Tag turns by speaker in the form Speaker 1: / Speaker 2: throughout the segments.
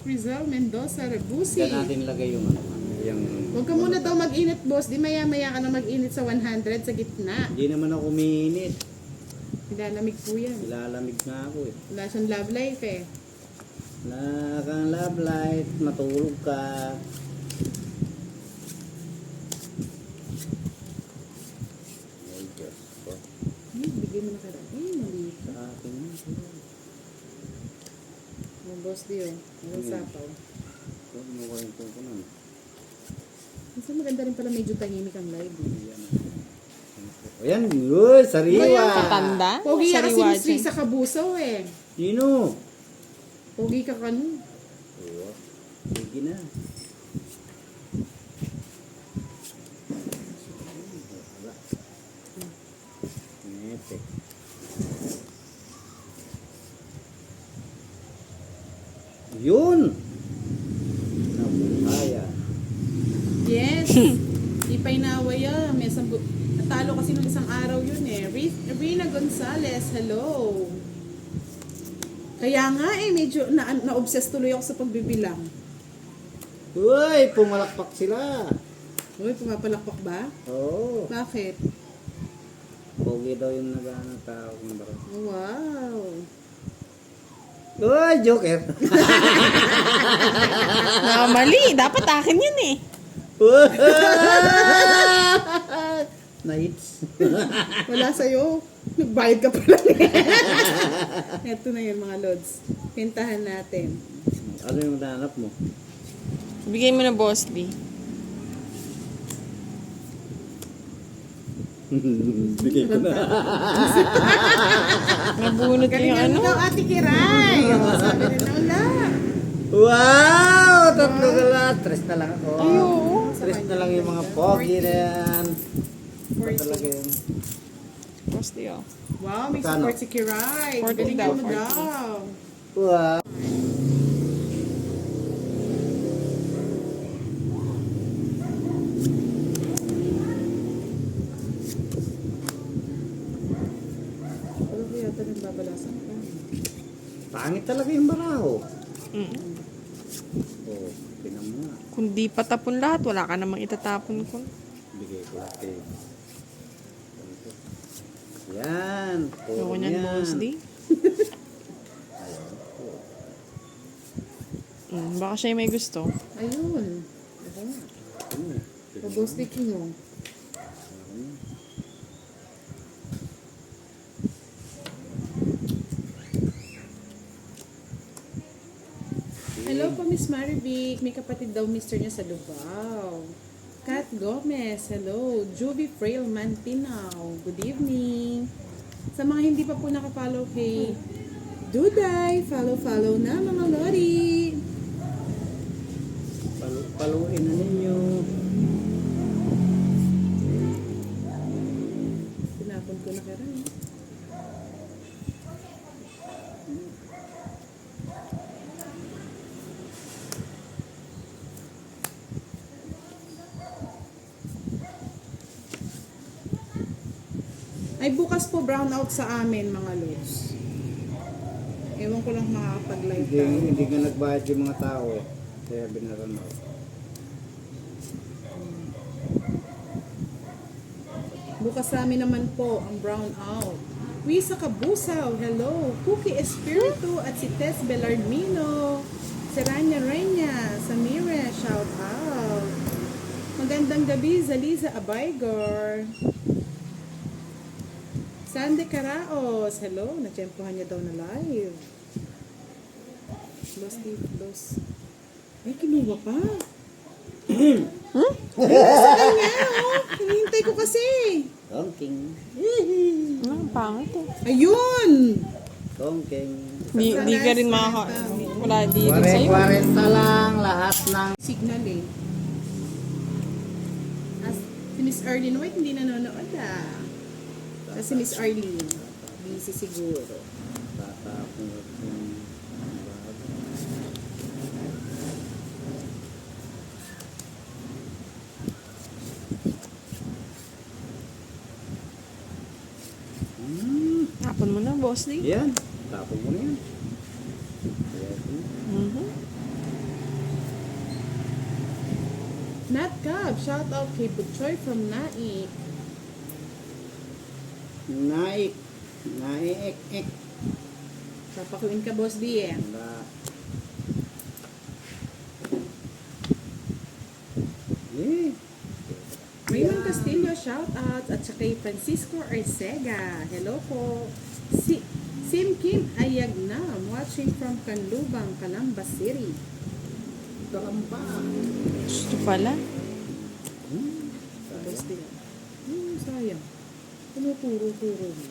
Speaker 1: Rizal Mendoza Ragusi.
Speaker 2: Diyan natin lagay yung ano. Yung...
Speaker 1: Huwag ka muna daw mag-init, boss. Di maya-maya ka na mag-init sa 100 sa gitna.
Speaker 2: Hindi naman ako umiinit.
Speaker 1: Nilalamig po yan.
Speaker 2: Ilalamig na ako eh.
Speaker 1: Wala siyang love life eh.
Speaker 2: Wala kang love light, matulog ka. Ay, Diyos ko.
Speaker 1: Ay, bigay mo na ka rin. Ay, maliit.
Speaker 2: Sa akin yun.
Speaker 1: Oh, boss, di yun. Walang sapaw.
Speaker 2: Huwag mo ko yung ko nun.
Speaker 1: Minsan maganda rin pala medyo tahimik ang live.
Speaker 2: Ayan, uy, sariwa.
Speaker 3: Patanda?
Speaker 1: Pogi ka kasi
Speaker 3: Sariwa
Speaker 1: ni Sri
Speaker 3: dyan.
Speaker 1: sa Kabusaw eh.
Speaker 2: Sino?
Speaker 1: Pogi ka kanu.
Speaker 2: Oo. Sige na. Ngete. Yun! Nabuhaya.
Speaker 1: Yes. Di pa inaway ah. May natalo kasi nung isang araw yun eh. Rina Gonzalez, hello. Kaya nga eh, medyo na-obsess tuloy ako sa pagbibilang.
Speaker 2: Uy, pumalakpak sila.
Speaker 1: Uy, pumapalakpak ba?
Speaker 2: Oo.
Speaker 1: Bakit?
Speaker 2: Pogi daw yung nag-ano tao.
Speaker 1: Oh, wow.
Speaker 2: Uy, Joker.
Speaker 3: Mali. Dapat akin yun eh.
Speaker 2: Nights.
Speaker 1: Wala sa'yo. Nagbayad ka pala. Ito na yun mga lods. Pintahan natin.
Speaker 2: Ano yung nahanap mo?
Speaker 3: Bigay mo na, Boss B.
Speaker 2: Bigay ko na.
Speaker 3: Nabunot yung
Speaker 1: Galingan
Speaker 3: ano.
Speaker 1: mo daw, Ate Kiray. O, sabi rin na wala.
Speaker 2: Wow! Tatlo ka lang. Tres na lang ako.
Speaker 3: Ay, oo.
Speaker 2: Tres na lang yung mga pogi na yan. Ba talaga yun?
Speaker 3: Boss D, oh.
Speaker 1: Wow, may
Speaker 2: Magkano?
Speaker 1: support si Kiray.
Speaker 3: 40
Speaker 1: Galingan mo
Speaker 3: 40.
Speaker 1: daw.
Speaker 2: Wow!
Speaker 1: Ano ba yata nang babalasan ka?
Speaker 2: Pangit talaga yung baraho.
Speaker 3: Mm.
Speaker 2: Oh, pinan mo nga.
Speaker 3: Kung di pa tapon lahat, wala ka namang itatapon ko.
Speaker 2: Bigay ko lahat eh. Yan.
Speaker 3: Ayoko niyan, Boss D. Baka siya may gusto.
Speaker 1: Ayun. Pag-ghostik mo. Hello po, Miss Marivic. May kapatid daw mister niya sa Lubao. Kat Gomez, hello. Juvie Frail Mantinaw, good evening. Sa mga hindi pa po nakapollow kay Duday, follow na mga lori.
Speaker 2: Paluin na ninyo.
Speaker 1: Tinapon ko na kaya. Ay, bukas po brownout sa amin, mga lods. Ewan ko lang makakapag-live
Speaker 2: Hindi,
Speaker 1: tayo.
Speaker 2: hindi nga nagbayad yung mga tao eh. Kaya binaran ako.
Speaker 1: Bukas sa amin naman po ang brownout. Wisa Kabusaw, hello. Cookie Espiritu at si Tess Belardmino. Si Rania Renya, Samira, shout out. Magandang gabi, Zaliza Abaygor. Sandy Caraos, hello. Natsyempohan niya daw na live. Los. Ay, kinuha pa. Sa kanya, oh. Hinihintay ko kasi.
Speaker 2: Tongking.
Speaker 3: Ang pangit eh.
Speaker 1: Ayun!
Speaker 2: Tongking.
Speaker 3: Di ka rin makaka... Wala di rin sa'yo.
Speaker 2: 40 lang lahat ng...
Speaker 1: Signal eh. As, si Miss Arlene White hindi nanonood ah. Kasi Miss Arlene, busy siguro.
Speaker 2: Tatapon yung...
Speaker 3: Tapon mo na, Boss D.
Speaker 2: Yan. Tapon mo na yan. Yes.
Speaker 3: Mhm.
Speaker 1: Nat Cab, shout out kay Butchoy from Naik.
Speaker 2: Naik. Naik.
Speaker 1: Papakuin ka, Boss D eh.
Speaker 2: Wala. Eh.
Speaker 1: Raymond Castillo, shout out. At saka kay Francisco Arcega. Hello po. Sim Kim Ayagnam, watching from Canlubang, Calamba City.
Speaker 2: Kalamba.
Speaker 3: Gusto pala.
Speaker 1: Boss D. Sayang. Tumuturo-turo mo.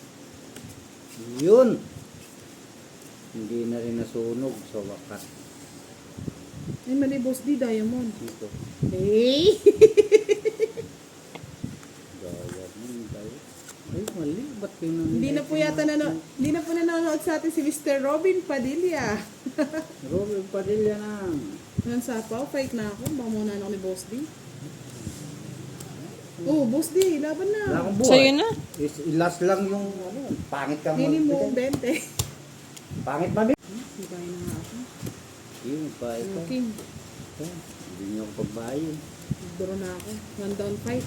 Speaker 2: Yun. Hindi na rin nasunog sa wakas.
Speaker 1: Ay, mali, Boss D, Diamond.
Speaker 2: Dito.
Speaker 1: Hey!
Speaker 2: Diamond tayo. Ay, mali. Ba't kayo nang...
Speaker 1: Hindi na po nanonood sa atin si Mr. Robin Padilla.
Speaker 2: Robin Padilla na.
Speaker 1: Yan sa fight na ako. Baka muna ako ni Boss D. Oh, Boss D, laban
Speaker 2: Wala
Speaker 1: na.
Speaker 2: akong buhay.
Speaker 3: Sa'yo na.
Speaker 2: Last lang yung ano. Pangit kang
Speaker 1: Nini mo,
Speaker 2: magbigay.
Speaker 1: 20.
Speaker 2: Pangit mabit.
Speaker 1: Sibay na nga ako.
Speaker 2: Yun, bahay ka.
Speaker 1: Okay,
Speaker 2: Hindi niyo ako pagbayo.
Speaker 1: draw na ako. 1 down fight.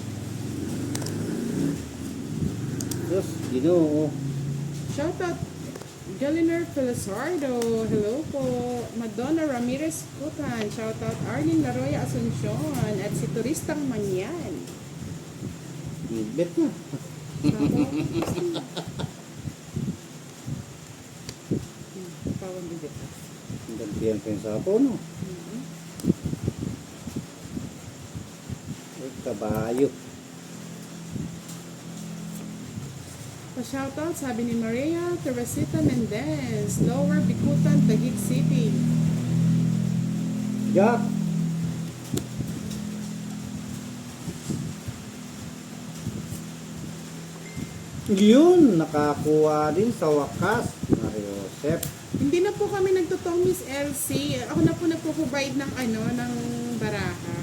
Speaker 2: Diyos, ginoo.
Speaker 1: Shout out Galiner Felizardo. Hello po. Madonna Ramirez Kutan. Shout out Arlene Laroya Asuncion. At si Turistang Manyan.
Speaker 2: Ibet na.
Speaker 1: Pawang bibit.
Speaker 2: Ang gantiyan ko yung sapo, no? Ay, kabayo.
Speaker 1: Pa-shoutout, sabi ni Maria Teresita Mendez, Lower Bikutan, Taguig City.
Speaker 2: Jack! Yun, nakakuha din sa wakas. Mariosep.
Speaker 1: Hindi na po kami nagtutong Miss LC. Ako na po nagpo-provide ng ng baraha.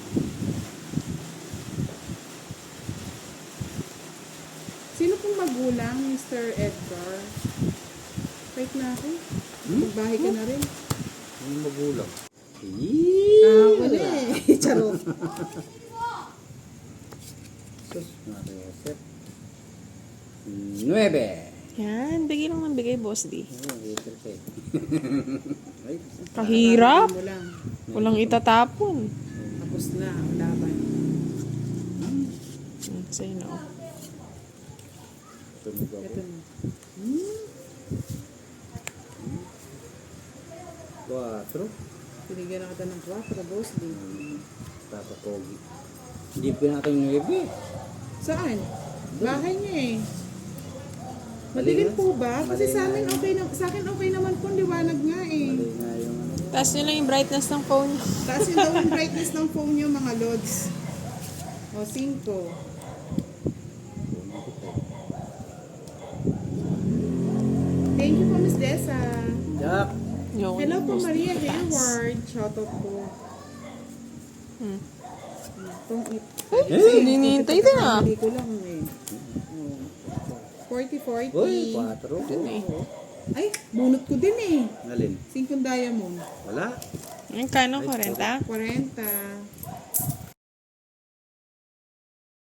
Speaker 1: Sino pong magulang, Mr. Edgar? Wait na ako. Magbahay ka na rin.
Speaker 2: Yung magulang.
Speaker 1: Wala eh. Charot.
Speaker 2: Sus, Mariosep. 9.
Speaker 3: Yan, bigay lang ng bigay, Boss D.
Speaker 2: Ay,
Speaker 3: Kahirap.
Speaker 1: Mo lang.
Speaker 3: Walang itatapon.
Speaker 1: Tapos na ang laban.
Speaker 3: Sa'yo na. Oh.
Speaker 2: sunog ako.
Speaker 1: Ito na.
Speaker 2: 4.
Speaker 1: Pinigyan na kita ng 4, Boss D.
Speaker 2: Tatapogi. Hindi pa natin yung ibi.
Speaker 1: Saan? Bahay niya eh.
Speaker 2: Mali
Speaker 1: Madilim
Speaker 2: nga.
Speaker 1: po ba? Kasi
Speaker 2: Mali
Speaker 1: sa
Speaker 2: nga
Speaker 1: amin
Speaker 2: yun.
Speaker 1: okay na, sa akin okay naman po, liwanag nga eh.
Speaker 2: Mali nga yung ano.
Speaker 3: Taas nyo lang yung brightness ng phone.
Speaker 1: Taas yung daw yung brightness ng phone niyo mga lods. O, 5. Thank you po, Miss Dessa.
Speaker 2: Jack!
Speaker 3: Yung
Speaker 1: Hello po,
Speaker 3: Boss D,
Speaker 1: Maria
Speaker 3: taas.
Speaker 1: Hayward. Shoutout po.
Speaker 3: Hmm.
Speaker 1: Itong
Speaker 3: Ay, hinihintay din ah.
Speaker 1: Hindi ko lang eh. 40-40.
Speaker 2: Uy, 4.
Speaker 3: Dun eh.
Speaker 1: Ay, bunot ko din eh.
Speaker 2: Nalin?
Speaker 1: 5 diamond.
Speaker 2: Wala.
Speaker 3: Yung kano, 40?
Speaker 1: 40.